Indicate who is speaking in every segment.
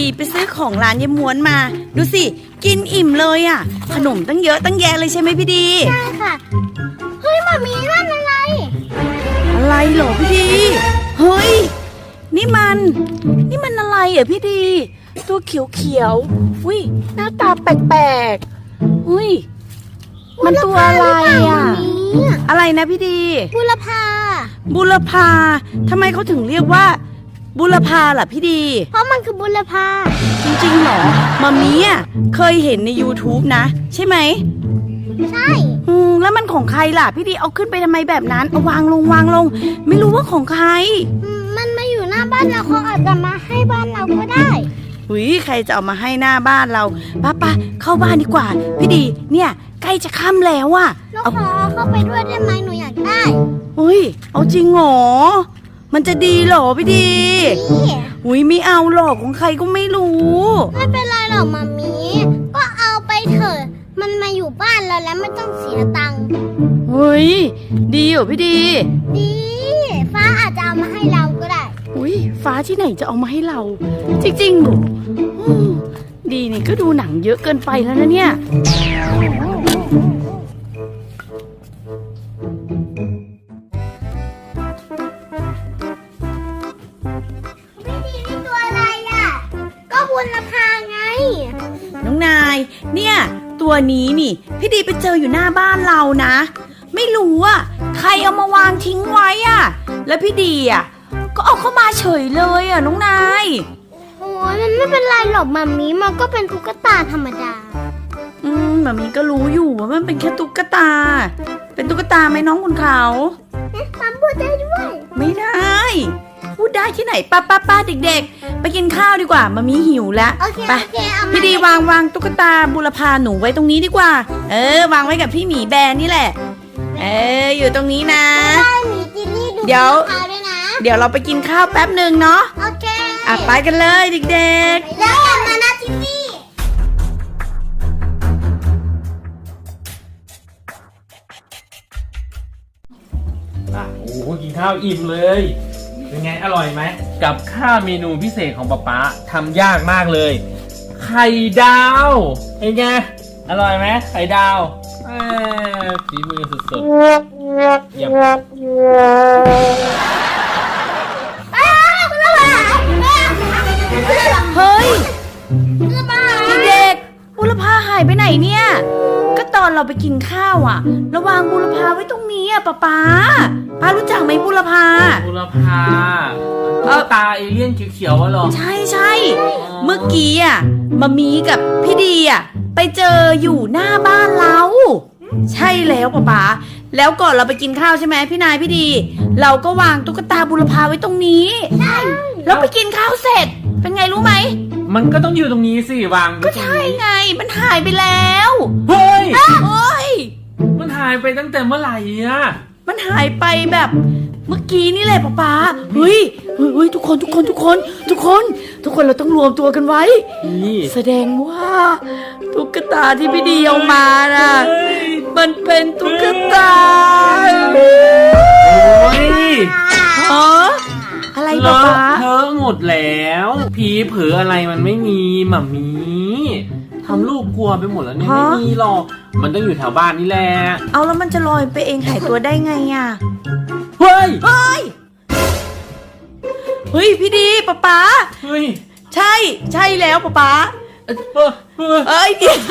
Speaker 1: ไปซื้อของร้านยายม้วนมาดูสิกินอิ่มเลยอ่ะขนมตั้งเยอะตั้งแยะเลยใช่ไหมพี่ดี
Speaker 2: ใช่ค่ะเฮ้ยมามีนั่นอะไร
Speaker 1: อะไรเหรอพี่ดีเฮ้ยนี่มันอะไรอ่ะพี่ดีตัวเขียวๆอุ้ยหน้าตาแปลกๆอุ้ยมันตัวอะไรอ่ะอะไรนะพี่ดี
Speaker 2: บุรพา
Speaker 1: ทำไมเขาถึงเรียกว่าบุรพาล่ะพี่ดี
Speaker 2: เพราะมันคือบุรพา
Speaker 1: จริงๆหรอมามีอ่ะเคยเห็นใน YouTube นะใช่ไหม
Speaker 2: ใช่
Speaker 1: แล้วมันของใครล่ะพี่ดีเอาขึ้นไปทำไมแบบนั้นเอาวางลงไม่รู้ว่าของใคร
Speaker 2: มันมาอยู่หน้าบ้านเราเขาอาจจะมาให้บ้านเราก็ได้
Speaker 1: อุ้ยใครจะเอามาให้หน้าบ้านเราป้าเข้าบ้านดีกว่าพี่ดีเนี่ยใกล้จะค่ำแล้วอ่ะ
Speaker 2: ลูกขอเข้าไปด้วยได้ไหมหนูอยากได้
Speaker 1: อุ้ยเอาจริงเหรอมันจะดีเหรอพี่ดีอุ้ยไม่เอาหรอกของใครก็ไม่รู้
Speaker 2: ไม่เป็นไรหรอกมามีก็เอาไปเถอะมันมาอยู่บ้านเราแล้วไม่ต้องเสียตังค์
Speaker 1: เฮ้ยดีเหรอพี่ดี
Speaker 2: ฟ้าอาจจะเอามาให้เราก็ได้
Speaker 1: อุ้ยฟ้าที่ไหนจะเอามาให้เราจริงๆเหรอดีนี่ก็ดูหนังเยอะเกินไปแล้วนะเนี่ย
Speaker 2: บุรพาไง
Speaker 1: น้องนายเนี่ยตัวนี้นี่พี่ดีไปเจออยู่หน้าบ้านเรานะไม่รู้อ่ะใครเอามาวางทิ้งไว้อ่ะแล้วพี่ดีอ่ะก็เอาเข้ามาเฉยเลยอ่ะน้องนาย
Speaker 2: โอ้ยมันไม่เป็นไรหรอกมัมมี่มันก็เป็นตุ๊กตาธรรมดา
Speaker 1: มัมมี่ก็รู้อยู่ว่ามันเป็นแค่ตุ๊กตาเป็นตุ๊กตาไหมน้องคุณเขา
Speaker 2: มัมพูดได้ด้วย
Speaker 1: ไม่ได้พูดได้ที่ไหนป้าเด็กๆไปกินข้าวดีกว่ามามีหิวแล้ว
Speaker 2: ไป
Speaker 1: พี่ดีวางตุ๊กตาบุรพาหนูไว้ตรงนี้ดีกว่าวางไว้กับพี่หมีแบนนี่แหละอยู่ตรงนี้นะเดี๋ยวเราไปกินข้าวแป๊บหนึ่งเนาะ
Speaker 2: โอเค
Speaker 1: ไปกันเลยเด็ก
Speaker 2: ๆแล้วกันนะจิมมี่
Speaker 3: โอ้โหกินข้าวอิ่มเลยเป็นไงอร่อยไหมกับข้าวเมนูพิเศษของป๊าทำยากมากเลยไข่ดาวเป็นไงอร่อยไหมไข่ดาวฝีมือสุดๆเยี่ยม
Speaker 1: เฮ้ยเด็กๆบุรพาหายไปไหนเนี่ยก็ตอนเราไปกินข้าวอ่ะระวางบุรพาไว้ตรงนี้อ่ะป้ารู้จักไหมบุรพา
Speaker 3: ตาเอเลี่ยนเขียวๆวะหรอ
Speaker 1: ใช่เมื่อกี้อ่ะมามีกับพี่ดีอ่ะไปเจออยู่หน้าบ้านเราใช่แล้วป้าแล้วก่อนเราไปกินข้าวใช่ไหมพี่นายพี่ดีเราก็วางตุ๊กตาบุรพาไว้ตรงนี้แล้วไปกินข้าวเสร็จเป็นไงรู้ไหม
Speaker 3: มันก็ต้องอยู่ตรงนี้สิวาง
Speaker 1: ก็ใช่ไงมันหายไปแล้ว
Speaker 3: เฮ้ย
Speaker 1: มัน
Speaker 3: หายไปตั้งแต่เมื่อไหร่อะ
Speaker 1: มันหายไปแบบเมื่อกี้นี่แหละป้าเฮ้ยทุกคนเราต้องรวมตัวกันไว้แสดงว่าตุ๊กตาที่พี่ดีเอามาน่ะมันเป็นตุ๊กตาอะไรป้า
Speaker 3: เธอหมดแล้วผีเผลออะไรมันไม่มีหม่ามีทำลูกกลัวไปหมดแล้วเนี่ยไม่มีหรอกมันต้องอยู่แถวบ้านนี่แหละ
Speaker 1: เอาแล้วมันจะลอยไปเองหายตัวได้ไงอ่ะ
Speaker 3: เฮ้ย
Speaker 1: พี่ดีป้า
Speaker 3: เฮ้ย
Speaker 1: ใช่แล้วป้าเดี๋ยว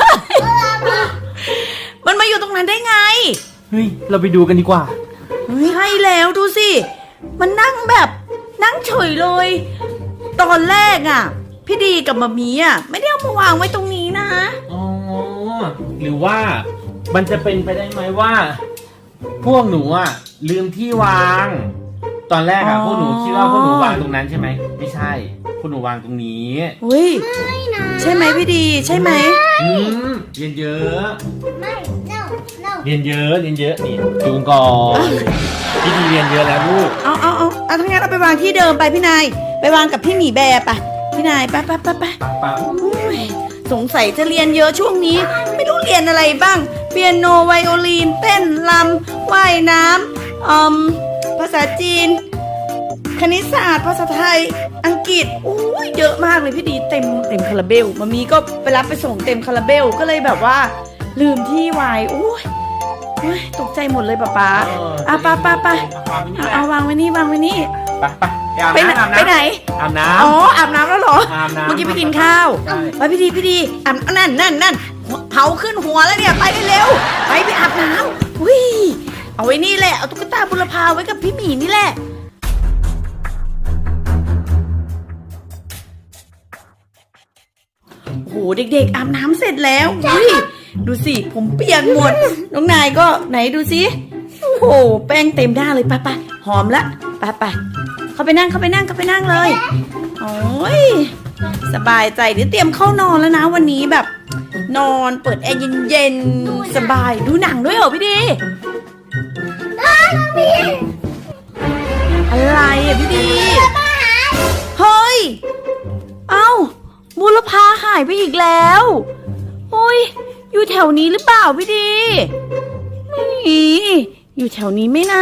Speaker 1: มันมาอยู่ตรงนั้นได้ไง
Speaker 3: เฮ้ยเราไปดูกันดีกว่า
Speaker 1: ให้แล้วดูสิมันนั่งเฉยเลยตอนแรกอ่ะพี่ดีกับมามีอ่ะไม่ได้เอามาวางไว้ตรงนี้นะ
Speaker 3: หรือว่ามันจะเป็นไปได้ไหมว่าพวกหนูอ่ะลืมที่วางตอนแรกอ่ะพวกหนูคิดว่าพวกหนูวางตรงนั้นใช่ไหมไม่ใช่พวกหนูวางตรงนี้
Speaker 2: ไม่นะ
Speaker 1: ใช่ไหมพี่ดีใช่ไหม
Speaker 3: เรียนเยอะ
Speaker 2: ไม่ no
Speaker 3: เรียนเยอะนี่จูงก่อนพี่ดีเรียนเยอะแล้วลูก
Speaker 1: เอาทั้งนั้นเอาไปวางที่เดิมไปพี่นายไปวางกับพี่หมีแบร์ไปพี่นายไปสงสัยจะเรียนเยอะช่วงนี้ไม่รู้เรียนอะไรบ้างเปียโนไวโอลินเต้นรำว่ายน้ำภาษาจีนคณิตศาสตร์ภาษาไทยอังกฤษอุ้ยเยอะมากเลยพี่ดีเต็มคาราเบลมามีก็ไปรับไปส่งเต็มคาราเบลก็เลยแบบว่า ลืมที่ไว้อุ้ยตกใจหมดเลยป๊าอ่ะป้าเอาวางไว้นี่
Speaker 3: ไป
Speaker 1: ไปไหน
Speaker 3: อาบน้
Speaker 1: อ๋ออาบน้ำแล้วเหรอ
Speaker 3: อาบน้ำ
Speaker 1: เมื่อกี้ไปกินข้าว
Speaker 3: ใช่
Speaker 1: ไปพี่ดีอาบนั่นเผาขึ้นหัวแล้วเนี่ยไปเร็วๆไปอาบน้ำอุ้ยเอาไว้นี่แหละเอาตุ๊กตาบุรพาไว้กับพี่หมีนี่แหละโอ้โหเด็กๆอาบน้ำเสร็จแล้วอุ้ยดูสิผมเปียกหมดน้องนายก็ไหนดูสิโอ้โหแป้งเต็มหน้าเลยไปหอมละไปเข้าไปนั่งเลยโอ้ยสบายใจเดี๋ยวเตรียมเข้านอนแล้วนะวันนี้แบบนอนเปิดแอร์เย็นๆสบายดูหนังด้วยเหรอพี่ดีอะไรอ่ะพี่ดีเฮ้ยเอ้าบุรพาหายไปอีกแล้วโอ้ยอยู่แถวนี้หรือเปล่าพี่ดีไม่มีอยู่แถวนี้ไหมนะ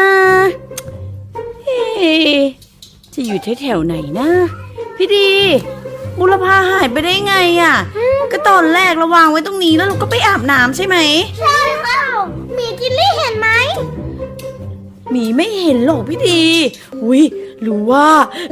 Speaker 1: จะอยู่แถวไหนนะพี่ดีบุรพาหายไปได้ไงอ่ะก็ตอนแรกเราวางไว้ตรงนี้แล้วเราก็ไปอาบน้ำใช่ไหม
Speaker 2: ใช่ค่ะหมีจิลลี่เห็นไหม
Speaker 1: หมีไม่เห็นหรอกพี่ดีอุ้ยหรือว่า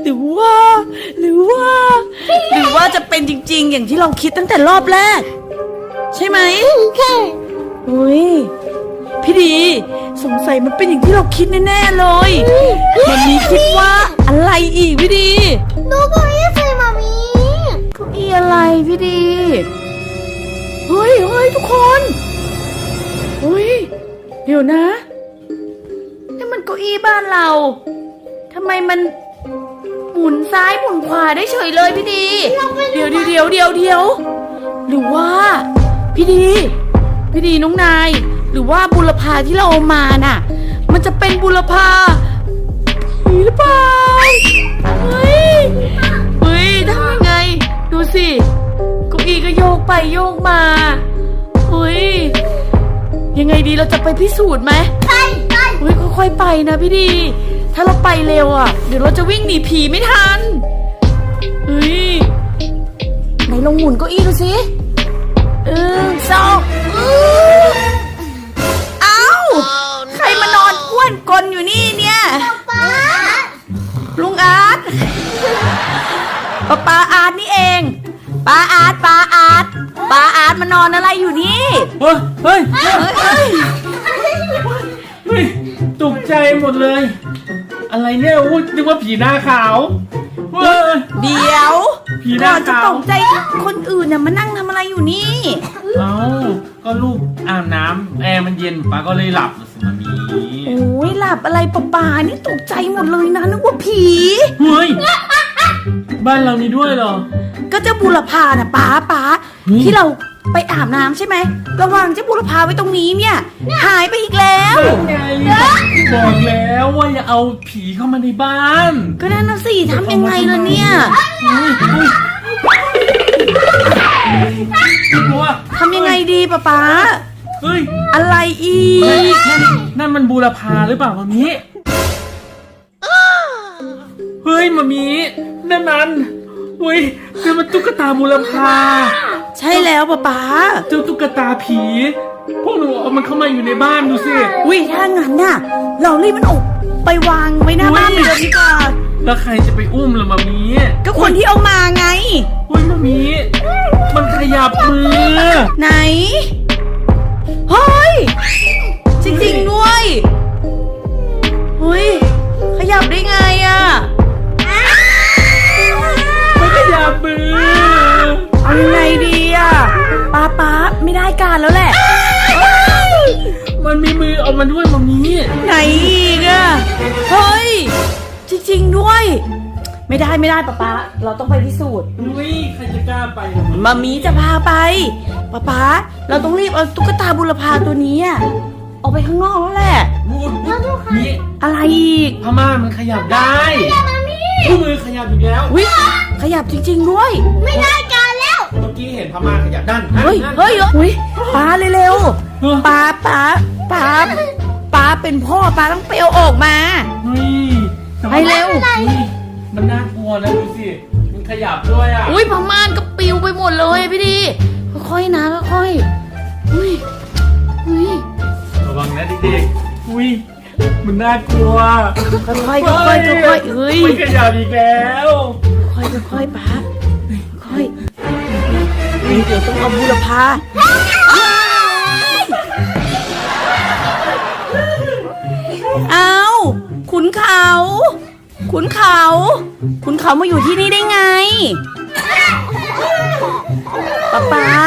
Speaker 1: จะเป็นจริงๆอย่างที่เราคิดตั้งแต่รอบแรกใช่ไหม
Speaker 2: ใช่
Speaker 1: อุ้ยพี่ดีสงสัยมันเป็นอย่างที่เราคิดแน่ๆเลยมันมีคิดว่าอะไรอีกพี่ดี
Speaker 2: ดูเก้าอี้สิมามี
Speaker 1: เก้าอี้อะไรพี่ดีเฮ้ยทุกคนเฮ้ยเดี๋ยวนะนี่มันเก้าอี้บ้านเราทำไมมันหมุนซ้ายหมุนขวาได้เฉยเลยพี่ดีเดี๋ยวหรือว่าพี่ดีน้องนายหรือว่าบุรพาที่เราเอามาน่ะมันจะเป็นบุรพาผีหรือเปล่าเฮ้ยทำยังไงดูสิเก้าอี้ก็โยกไปโยกมาเฮ้ยยังไงดีเราจะไปพิสูจน์ไหม
Speaker 2: ไป
Speaker 1: เฮ้ยค่อยๆไปนะพี่ดีถ้าเราไปเร็วอ่ะเดี๋ยวเราจะวิ่งหนีผีไม่ทันเฮ้ยไหนลองหมุนเก้าอี้ดูสิ2เอ้าใครมานอนอ้วนกลนอยู่นี่เนี่ย
Speaker 2: ป๊า
Speaker 1: ลุงอาร์ตป้าอาร์ตนี่เองป้าอาร์ตมานอนอะไรอยู่นี่
Speaker 3: เฮ้ยตกใจหมดเลยอะไรเนี่ยอู้นึกว่าผีหน้าขาว
Speaker 1: เดี๋ยว
Speaker 3: ผีหน้าขาว
Speaker 1: จะตกใจคนอื่นน่ะมานั่งทำอะไรอยู่นี่
Speaker 3: เอ้าก็ลูกอาบน้ำแอร์มันเย็นป้าก็เลยหลับสิมามี
Speaker 1: โอ้ยหลับอะไรป้านี่ตกใจหมดเลยนะนึกว่าผี
Speaker 3: เฮ้ยบ้านเรานี่ด้วยเหรอ
Speaker 1: ก็เจ้าบุรพาน่ะป้าที่เราไปอาบน้ำใช่ไหมระวังเจ้าบุรพาไว้ตรงนี้เนี่ยหายไปอีกแล้ว
Speaker 3: ไงบอกแล้วว่าอย่าเอาผีเข้ามาในบ้าน
Speaker 1: ก็นั่นน่ะสิทำยังไงล่ะเนี่ยทำยังไงดีป้า
Speaker 3: เฮ้ย
Speaker 1: อะไรอีก
Speaker 3: นั่นมันบูรพาหรือเปล่ามามีเฮ้ยมามีนั่นมันเฮ้ยนี่มันตุ๊กตาบูรพา
Speaker 1: ใช่แล้วป้า
Speaker 3: เจ้าตุ๊กตาผีพวกหนูเอามันเข้ามาอยู่ในบ้านดูสิ
Speaker 1: อุ้ยถ้างั้นน่ะเรารีบมันออกไปวางไว้หน้าบ้านเลยดีกว่า
Speaker 3: แล้วใครจะไปอุ้มล่ะมามี
Speaker 1: ก็คนที่เอามาไง
Speaker 3: เฮ้ยมามีมันขยับมือ
Speaker 1: ไหนเฮ้ยจริงๆด้วยเฮ้ยขยับได้ไงอ่ะ
Speaker 3: มันขยับมือ
Speaker 1: เอายังไงดีอ่ะป้าไม่ได้การแล้วแหละ
Speaker 3: มันมีมือเอามาด้วยมามี
Speaker 1: ไหนอีกอ่ะเฮ้ยจริงๆด้วยไม่ได้ป้าเราต้องไปพิสูจน์
Speaker 3: อุ้ยใครจะกล้าไป
Speaker 1: มามีจะพาไปป้าเราต้องรีบเอาตุ๊กตาบุรพาตัวนี้ออกไปข้างนอกแล้วแหละ
Speaker 3: นี่
Speaker 1: อะไรอีก
Speaker 3: พม่ามันขยับได้ผู้มือขยับอีกแล้ว
Speaker 1: วิขยับจริงๆด้วย
Speaker 2: ไม่ได้การแล้ว
Speaker 3: เมื่อกี้เห็นพม่าขยับด้าน
Speaker 1: เฮ้ยป้าเร็วๆป้าเป็นพ่อป้าต้องเปลวออกมา
Speaker 3: เฮ้ย
Speaker 1: ไปเร็ว
Speaker 3: มันน่ากลัวตัวนะดูสิมันขยับด้วยอ่ะ
Speaker 1: อุ้ยผ้าม่านก็ปิวไปหมดเลยพี่ดีค่อยๆนะค่อยๆอุ้ย
Speaker 3: ระวังนะเด็กๆอุ้ยมันน่ากลัว
Speaker 1: ค่อยๆค่อยๆค่อยๆเฮ้ย
Speaker 3: มันขยับอีกแล้ว
Speaker 1: ค่อยๆป้าค่อยเดี๋ยวต้องเอาบูรพาเอาขุนเขาขุนเขามาอยู่ที่นี่ได้ไงป๊า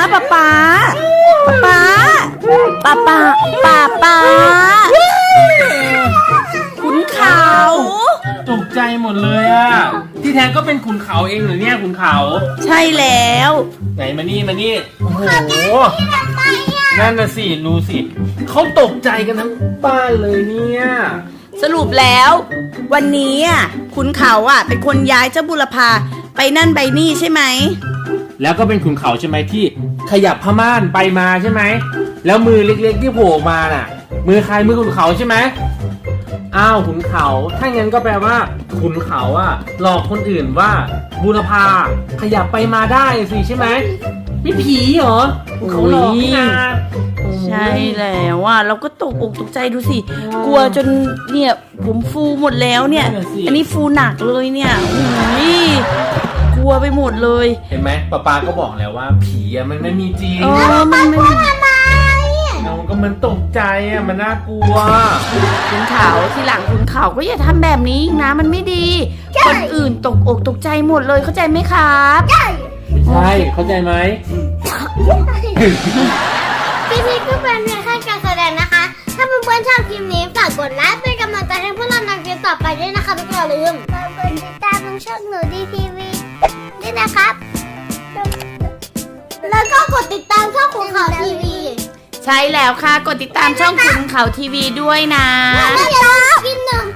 Speaker 1: ขุนเขา
Speaker 3: ตกใจหมดเลยอ่ะที่แท้ก็เป็นขุนเขาเองเหรอเนี่ยขุนเขา
Speaker 1: ใช่แล้ว
Speaker 3: ไหนมานี่โอ้โหนั่นน่ะสิดูสิเขาตกใจกันทั้งบ้านเลยเนี่ย
Speaker 1: สรุปแล้ว วันนี้อ่ะขุนเขาอ่ะเป็นคนย้ายเจ้าบุรพาไปนั่นไปนี่ใช่ไหม
Speaker 3: แล้วก็เป็นขุนเขาใช่ไหมที่ขยับผ้าม่านไปมาใช่ไหมแล้วมือเล็กๆที่โผล่มาน่ะ มือใครมือขุนเขาใช่ไหมอ้าวขุนเขาถ้างั้นก็แปลว่าขุนเขาอ่ะหลอกคนอื่นว่าบูรพาขยับไปมาได้สิใช่ไหมไม่ผีเหรอขุนเขาหลอกนี่นะ
Speaker 1: ใช่แล้วอ่ะเราก็ตกอกตกใจดูสิกลัวจนเนี่ยผมฟูหมดแล้วเนี่ย อันนี้ฟูหนักเลยเนี่ยอุ้ยกลัวไปหมดเลย
Speaker 3: เห็นไหมป๊าก็บอกแล้วว่าผีอ่ะมันไม่มีจริง
Speaker 1: มันไม่
Speaker 3: น้องก็มันตกใจอ่ะมันน่ากลัว
Speaker 1: ขุนเขาทีหลังขุนเขาก็อย่าทำแบบนี้อีกนะมันไม่ดี คนอื่นตกอกตกใจหมดเลยเข้าใจไหมครับ
Speaker 3: ใช่เข้าใจไหม
Speaker 2: คลิปนี้ก็เป็นเพียงแค่การแสดงนะคะ ถ้าเพื่อนๆชอบคลิปนี้ฝากกดไลค์เป็นกำลังใจให้พวกเราในคลิปต่อไปด้วยนะคะทุกคนอย่าลืมกดติดตามช่องหนูดีทีวีด้วยนะครับ แล้วก็กดติดตามช่องของเขาทีวี
Speaker 1: ใช่แล้วค่ะกดติดตามช่องขุนเขาทีวีด้วยนะ
Speaker 2: แล้วอย่าลืมกินหนึ่ง